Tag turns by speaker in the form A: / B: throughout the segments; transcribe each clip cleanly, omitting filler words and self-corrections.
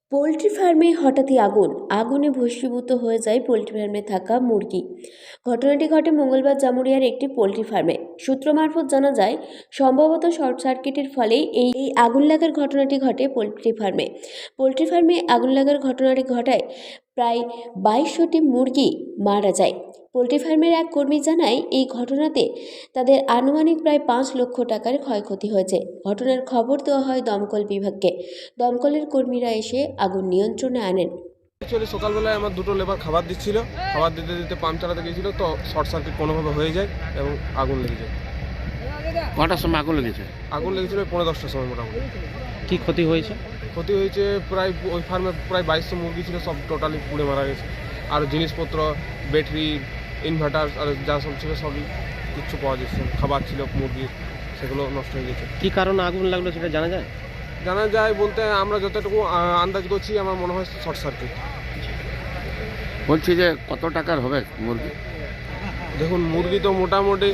A: Poultry ফার্মে হঠাৎই আগুনে ভস্মীভূত হয়ে যায় পোলট্রি ফার্মে থাকা মুরগি। ঘটনাটি ঘটে মঙ্গলবার জামুরিয়ার একটি পোলট্রি ফার্মে। সূত্র মারফত জানা যায়, সম্ভবত শর্ট সার্কিটের ফলেই এই আগুন লাগার ঘটনাটি ঘটে পোলট্রি ফার্মে আগুন লাগার ঘটনাটি ঘটায় প্রায় 2200টি মুরগি মারা যায়। পোলট্রি ফার্মের এক কর্মী জানায়, এই ঘটনাতে তাদের আনুমানিক প্রায় 5 লক্ষ টাকার ক্ষয়ক্ষতি হয়েছে। ঘটনার খবর দেওয়া হয় দমকল বিভাগকে। দমকলের কর্মীরা এসে আগুন নিয়ন্ত্রণে আনেন।
B: অ্যাকচুয়ালি সকালবেলায় আমার দুটো লেবার খাবার দিচ্ছিল, খাবার দিতে দিতে পাম্প চালাতে গিয়েছিল, তো শর্ট সার্কিট কোনোভাবে হয়ে যায় এবং আগুন লেগে যায়।
C: কটার সময় আগুন লেগেছে?
B: আগুন লেগেছিল 10:30টার সময় মোটামুটি।
C: কি ক্ষতি হয়েছে?
B: ক্ষতি হয়েছে প্রায় ওই ফার্মে প্রায় 2200 মুরগি ছিল, সব টোটালি পুড়ে মারা গেছে। আর জিনিসপত্র, ব্যাটারি, ইনভার্টার আর যা সব ছিল সবই কিচ্ছু পাওয়া যাচ্ছে না। খাবার ছিল মুরগির, সেগুলো নষ্ট হয়ে গেছে।
C: কি কারণে আগুন লাগলো সেটা জানা যায়?
B: জানা যায় বলতে আমরা যতটুকু আন্দাজ করছি, আমার মনে হয় শর্ট সার্কিট।
C: বলছি যে কত টাকার হবে মুরগি?
B: দেখুন, মুরগি তো মোটামুটি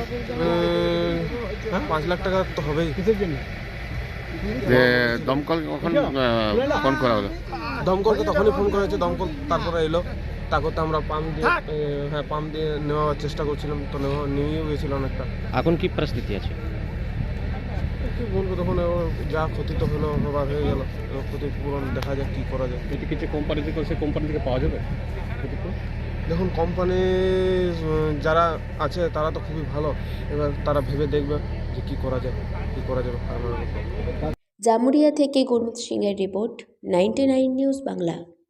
B: 5 লাখ টাকা তো হবেই।
C: যে দমকল কখন ফোন করা হলো?
B: দমকলকে তখনই ফোন করা হয়েছে, দমকল তারপরে এলো। তারপরে আমরা পাম্প দিয়ে নেওয়ার চেষ্টা করছিলাম, তো নিয়েও গেছিল অনেকটা।
C: এখন কি পরিস্থিতি আছে?
B: কি বলবো, তখন যা ক্ষতি তো হলো, হবার হয়ে গেল। ক্ষতিপূরণ দেখা যাক কী করা যায়।
C: যদি কিছু কোম্পানি থেকে সে কোম্পানি থেকে পাওয়া যাবে?
B: দেখুন, কোম্পানি যারা আছে তারা তো খুবই ভালো, এবার তারা ভেবে দেখবে যে কী করা যাবে।
A: জামুরিয়া থেকে গুরমিত সিংয়ের রিপোর্ট, 99 নিউজ বাংলা।